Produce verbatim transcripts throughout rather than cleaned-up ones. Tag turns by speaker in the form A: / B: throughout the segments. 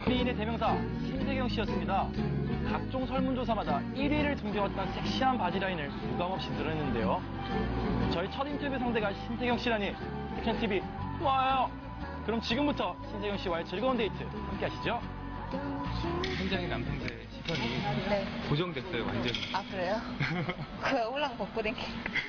A: 연예인의 대명사 신세경 씨였습니다. 각종 설문조사마다 일 위를 등재했던 섹시한 바지라인을 유감없이 드러냈는데요. 저희 첫 인터뷰 상대가 신세경 씨라니 액션티비 좋아요. 그럼 지금부터 신세경 씨와의 즐거운 데이트 함께 하시죠.
B: 현장의 남성들의 시선이
C: 네.
B: 고정됐어요, 완전히.
C: 아, 그래요? 그 홀랑 벗고 댕기.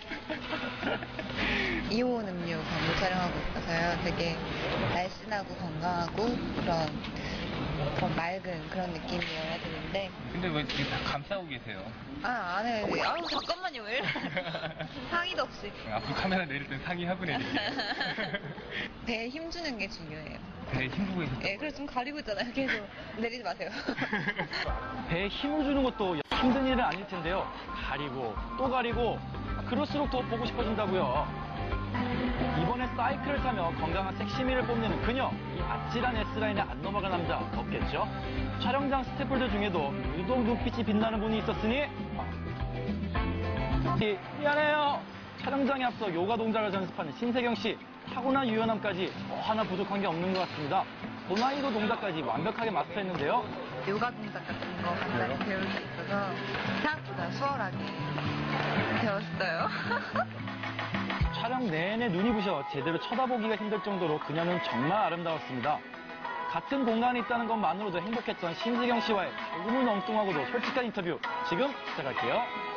C: 이온 음료 광고 촬영하고 있어서요. 되게 날씬하고 건강하고 그런, 그런 맑은 그런 느낌이어야 되는데.
B: 근데 왜 이렇게 다 감싸고 계세요?
C: 아, 안 해. 아우, 잠깐만요. 왜 이래. 상의도 없이.
B: 앞으로 카메라 내릴 땐 상의 하고 내릴게요.
C: 배에 힘주는 게 중요해요.
B: 배에 힘주고 계셨어요?
C: 예, 그래서 좀 가리고 있잖아요. 계속. 내리지 마세요.
A: 배에 힘을 주는 것도 힘든 일은 아닐 텐데요. 가리고 또 가리고 그럴수록 더 보고 싶어진다고요. 이번에 사이클을 타며 건강한 섹시미를 뽐내는 그녀. 이 아찔한 S라인에 안 넘어간 남자 없겠죠? 촬영장 스태프들 중에도 유독 눈빛이 빛나는 분이 있었으니 아. 미안해요. 촬영장에 앞서 요가 동작을 연습하는 신세경 씨. 타고난 유연함까지 뭐 하나 부족한 게 없는 것 같습니다. 고난이도 동작까지 완벽하게 마스터했는데요.
C: 요가 동작 같은 거 간단히 배울 수 있어서 생각보다 수월하게 배웠어요.
A: 촬영 내내 눈이 부셔 제대로 쳐다보기가 힘들 정도로 그녀는 정말 아름다웠습니다. 같은 공간에 있다는 것만으로도 행복했던 신세경 씨와의 조금은 엉뚱하고도 솔직한 인터뷰 지금 시작할게요.